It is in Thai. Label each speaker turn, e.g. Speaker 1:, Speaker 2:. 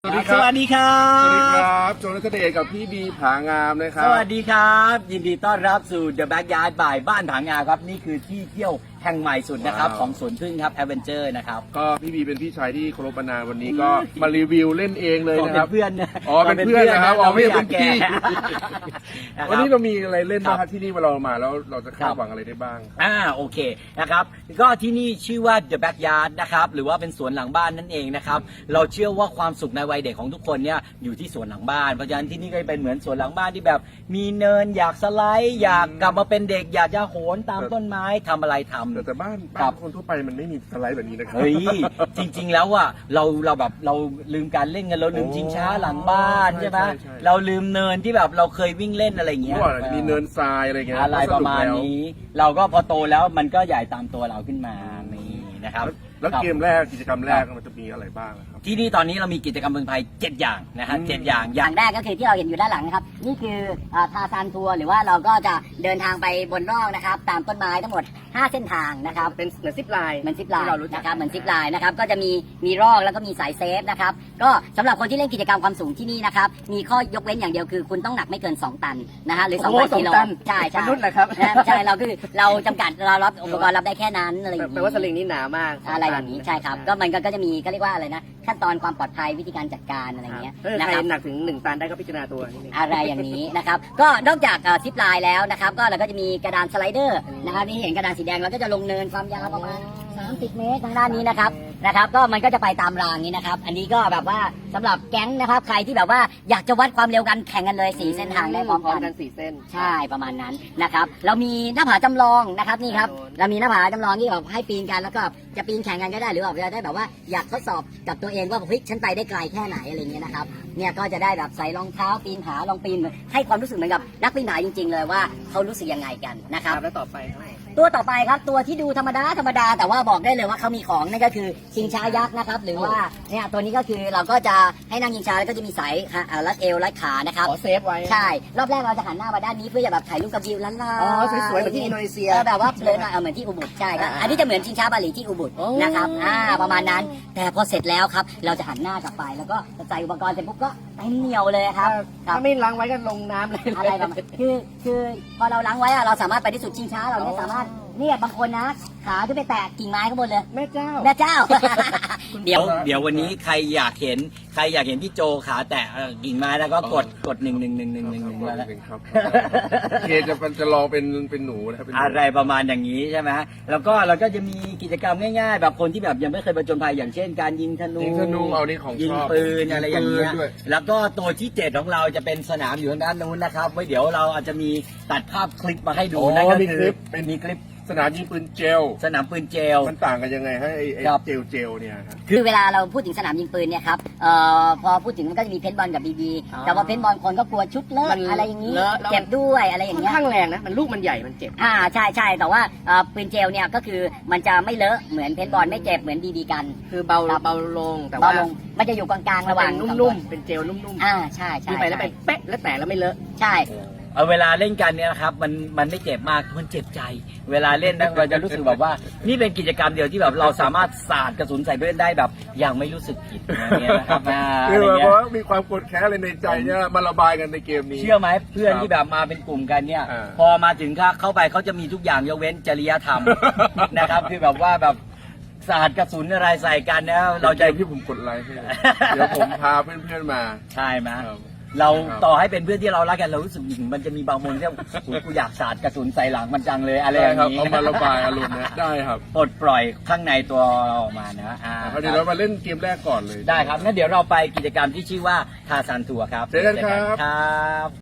Speaker 1: สวัสดีครับ
Speaker 2: สวัสดีครับ
Speaker 1: สวัสดีครับโจนัทเดชกับพี่บีผางามนะครับ
Speaker 2: สวัสดีครับ ยินดีต้อนรับสู่ The Backyard by บ้านผางาครับ นี่คือที่เที่ยวแห่งใหม่สุดนะครับ
Speaker 1: ว้าว
Speaker 2: ของสวนพึ่งครับแอดเวนเจอร์นะครับ
Speaker 1: ก็พี่บีเป็นพี่ชายที่เคารพมานานวันนี้ก็มารีวิวเล่นเองเลย
Speaker 2: ก็
Speaker 1: นะ
Speaker 2: เป็
Speaker 1: ครับ
Speaker 2: นเพื่อนนะ
Speaker 1: อ๋อเป็นเพื่อนนะครับอ๋อไม่ใช่เป็นพี่
Speaker 2: ะครับ
Speaker 1: วันนี้เรามีอะไรเล่นบ้าง
Speaker 2: ค
Speaker 1: ค
Speaker 2: รั
Speaker 1: รับ บที่นี่เวลาเรามาแล้วเราจะคา
Speaker 2: ครั
Speaker 1: ด
Speaker 2: บ
Speaker 1: หวังอะไรได้บ้าง
Speaker 2: โอเคนะครับก็ที่นี่ชื่อว่า The Backyard นะครับหรือว่าเป็นสวนหลังบ้านนั่นเองนะครับเราเชื่อว่าความสุขในวัยเด็กของทุกคนเนี่ยอยู่ที่สวนหลังบ้านเพราะฉะนั้นที่นี่ก็เป็นเหมือนสวนหลังบ้านที่แบบ มีเนินอยากสไลด์อยากกลับมาเป็นเด็กอยากจะโหนตามต้นไม้ทำอะไรทำ
Speaker 1: แต่บ้าน
Speaker 2: ครับ
Speaker 1: คนทั่วไปมันไม่มีสไลด์แบบนี้นะครับ
Speaker 2: เฮ้ยจริงๆแล้วอ่ะเราแบบเราลืมการเล่นกันเราลืมชิงช้าหลังบ้าน
Speaker 1: ใช่
Speaker 2: ใช่ไหม
Speaker 1: ใช่
Speaker 2: เราลืมเนินที่แบบเราเคยวิ่งเล่นอะไรอย่างเงี้ย
Speaker 1: เมื่อก่อนอาจจะมีเนินทรายอะไรเงี้ย
Speaker 2: อะไรประมาณนี้ เราก็พอโตแล้วมันก็ใหญ่ตามตัวเราขึ้นมานี่นะครับ
Speaker 1: แล้วเกมแรกกิจกรรมแรกมันจะมีอะไรบ้างครับ
Speaker 2: ที่นี่ตอนนี้เรามีกิจกรรมเมืองไทย7อย่างนะฮะ
Speaker 1: อืม
Speaker 2: 7อย่างอา
Speaker 3: อย่ย่าง งแรกก็คือที่เราเห็นอยู่ด้านหลังนะครับนี่คือทาซานทัวร์หรือว่าเราก็จะเดินทางไปบนร่องนะครับตามต้นไม้ทั้งหมด 5 เส้นทางนะครับเป็นเหมือนซิปไลน์ที่เรารู้จักนะครับเหมือนซิปไลน์นะครับก็จะมีร่องแล้วก็มีสายเซฟนะครับก็สำหรับคนที่เล่นกิจกรรมความสูงที่นี่นะครับมีข้อยกเว้นอย่างเดียวคือคุณต้องหนักไม่เกิน 2 ตันนะฮะหรือ 2,000 กิโลใช่ใช่
Speaker 4: มนุษย์เหรอครับ
Speaker 3: ใช่เราคือเราจำกัดเรารับอุปกรณ์รับได้แค่นั้นอะไรอย่าง
Speaker 4: แปล
Speaker 3: นี้
Speaker 4: ว่าสลิงนี่หนามาก
Speaker 3: อะไรอย่างนี้ใช่ครับก็มันก็จะมีก็เรียกว่าอะไรนะขั้นตอนความปลอดภัยวิธีการจัดการอะไรอย่างเงี้ย
Speaker 4: ถ้า
Speaker 3: นะ
Speaker 4: ใคร
Speaker 3: ครับ
Speaker 4: หนักถึง1 ตันได้ก็พิจารณาตัวนิดนึง
Speaker 3: อะไรอย่างนี้นะครับ ก็นอกจากซิปไลน์แล้วนะครับ ก็เราก็จะมีกระดานสไลเดอร์นะครับนี่เห็นกระดานสีแดงเราก็จะลงเนินความยาวประมาณ30 เมตรทางด้านนี้นะครับก็มันก็จะไปตามรางนี้นะครับ อันนี้ก็แบบว่าสำหรับแก๊งนะครับ ใครที่แบบว่าอยากจะวัดความเร็วกันแข่งกันเลย4 เส้นทางได้พร้อมกัน
Speaker 4: 4 เส้น
Speaker 3: ใช่ประมาณนั้นนะครับเรามีหน้าผาจำลองนะครับนี่ครับเรามีหน้าผาจำลองที่แบบให้ปีนกันแล้วก็จะปีนแข่งกันก็ได้หรือแบบจะได้แบบว่าอยากทดสอบกับตัวเองว่าเฮ้ยฉันไปได้ไกลแค่ไหนอะไรเงี้ยนะครับเนี่ยก็จะได้แบบใส่รองเท้าปีนผาลองปีนให้ความรู้สึกเหมือนกับนักปีนผาจริง ๆ เลยว่าเขารู้สึกยังไงกันนะครับ
Speaker 4: แล้วต่อไปครับ
Speaker 3: ตัวต่อไปครับตัวที่ดูธรรมดาแต่ว่าบอกได้เลยว่าเขามีของนั่นก็คือชิงช้ายักษ์นะครับหรือว่าเนี่ยตัวนี้ก็คือเราก็จะให้นั่งชิงช้าแล้วก็จะมีสายรัดเอวรัดขานะครับ
Speaker 4: ขอเซฟไว้
Speaker 3: ใช่ รอบแรกเราจะหันหน้ามาด้านนี้เพื่อจะแบบถ่ายรูปกับวิวล้านลา
Speaker 4: อ๋อสวยๆเหมือนที่อินโดนีเซีย
Speaker 3: แบบว่าเพลินหน่อยเหมือนที่อุบุดใช่ครับ อันนี้จะเหมือนชิงช้าบาหลีที่อุบุด
Speaker 4: โอ้
Speaker 3: นะครับประมาณนั้น แต่พอเสร็จแล้วครับ เราจะหันหน้ากลับไปแล้วก็ใส่อุปกรณ์เสร็จปุ๊บก็เต็มเหนียวเลยครับ
Speaker 4: ถ้าไม่ล้างไว้ก็ลงน้ำเลย
Speaker 3: อะไรประมาณคือพอเราล้างไว้อะเราสามารถไปที่สุดชิงช้าเราไม่สามารถเนี่ยบางคนนะขาขึ้นไปแตะกิ่งไม้ข้างบนเลย
Speaker 4: แม่เจ้า
Speaker 3: แม่เจ้า
Speaker 2: เดี๋ยววันนี้ใครอยากเห็นพี่โจขาแตะกิ่งไม้แล้วก็กด1 1 1 1 1 1แล้ว
Speaker 1: ครับเคจะลองเป็นหนูนะครับเป็นหนู
Speaker 2: อะไรประมาณอย่างนี้ใช่ไหมแล้วก็เราก็จะมีกิจกรรมง่ายๆ แบบคนที่แบบยังไม่เคยผจญภัยอย่างเช่นการยิงธนู
Speaker 1: ยิงธนูเอานี่ของ
Speaker 2: ยิง
Speaker 1: ชอบ
Speaker 2: ปืนอะไรอย่างเงี้ย
Speaker 1: ปืนด้วย
Speaker 2: แล้วก็ตัวที่7ของเราจะเป็นสนามอยู่ทางด้านนู้นนะครับไว้เดี๋ยวเราอาจจะมีตัดภาพคลิปมาให้ดู
Speaker 1: อ๋อ
Speaker 2: นั่นก็
Speaker 1: มี
Speaker 2: คื
Speaker 1: คลิ
Speaker 2: อ
Speaker 1: ปเป็น
Speaker 2: มีคลิป
Speaker 1: สนามยิงปืนเจล
Speaker 2: สนามปืนเจล
Speaker 1: มันต่างกันยังไงให้ไอ้
Speaker 2: ครับ
Speaker 1: เจลเนี่ยครับ
Speaker 3: คือเวลาเราพูดถึงสนามยิงปืนเนี่ยครับพอพูดถึงมันก็จะมีเพนบอลกับบีบี
Speaker 4: อ๋อ
Speaker 3: แต่ว่าเพนบอลคนก็กลัวชุดเลอะ
Speaker 4: มัน
Speaker 3: อะไรอย่างนี้
Speaker 4: เลอะแล้ว
Speaker 3: เจ็บด้วยอะไรอย่าง
Speaker 4: ค่อน
Speaker 3: เงี้ย
Speaker 4: ข้างแรงนะมันลูกมันใหญ่มันเจ็บ
Speaker 3: ใช่แต่ว่าปืนเจลเนี่ยก็คือมันจะไม่เลอะเหมือนเพนบอลไม่เจ็บเหมือนบีบีกัน
Speaker 4: คือเบา
Speaker 3: ครับ
Speaker 4: เบาลงแต่
Speaker 3: เบา
Speaker 4: ว่า
Speaker 3: ลงมันจะอยู่กลางๆ
Speaker 4: ระ
Speaker 3: ระ
Speaker 4: ห
Speaker 3: ห
Speaker 4: ว่า
Speaker 3: ว่าง ง
Speaker 4: นุ่มๆเป็นเจลนุ่ม
Speaker 3: ใช่
Speaker 4: ๆที่ไปแล้วไปเป๊ะแล้วแตกแล้วไม่เลอะ
Speaker 3: ใช่
Speaker 2: เวลาเล่นกันเนี่ยนะครับมันไม่เจ็บมากมันเจ็บใจ เวลาเล่นนะเราจะรู้สึกแบบว่า นี่เป็นกิจกรรมเดียวที่แบบเราสามารถสาดกระสุนใส่เพื่อนได้แบบอย่างไม่รู้สึกผิดอย่างเงี้ยนะครับอะ
Speaker 1: คือ
Speaker 2: ไร
Speaker 1: แบบ
Speaker 2: เงี้ย
Speaker 1: ว่ามีความโกรธแค้นอะไรในใจเนี่ยมาระบายกันในเกมนี้
Speaker 2: เชื่อไหมเพื่อนที่แบบมาเป็นกลุ่มกันเนี่ย
Speaker 1: อ่า
Speaker 2: พอมาถึงเข้าไปเขาจะมีทุกอย่างยกเว้นจริยธรรม นะครับคือแบบว่าแบบสาดกระสุนอะไรใส่กันนะเราจะ
Speaker 1: เกมที่ผมกดไลค์ให้เดี๋ยวผมพาเพื่อนๆมา
Speaker 2: ใช่ไหม
Speaker 1: ครับ
Speaker 2: เรา
Speaker 1: ครับ
Speaker 2: ต่อให้เป็นเพื่อนที่เรารักกันเรารู้สึกมันจะมีบางมุมที่โอ้ยกูอยากสาดกระสุนใส่หลังมันจังเลยอะไรอ
Speaker 1: ได้
Speaker 2: ย่าง
Speaker 1: ครับ
Speaker 2: นี้
Speaker 1: เอามาระบายอารมณ์นะได้ครับ
Speaker 2: ปลดปล่อยข้างในตัวเราออกมานะ
Speaker 1: คราวนี้เรามาเล่นเกมแรกก่อนเลย
Speaker 2: ได้ครับงั้นเดี๋ยวเราไปกิจกรรมที่ชื่อว่าทาซานทัวร์ครับ
Speaker 1: เจอกันครับ
Speaker 2: ครับ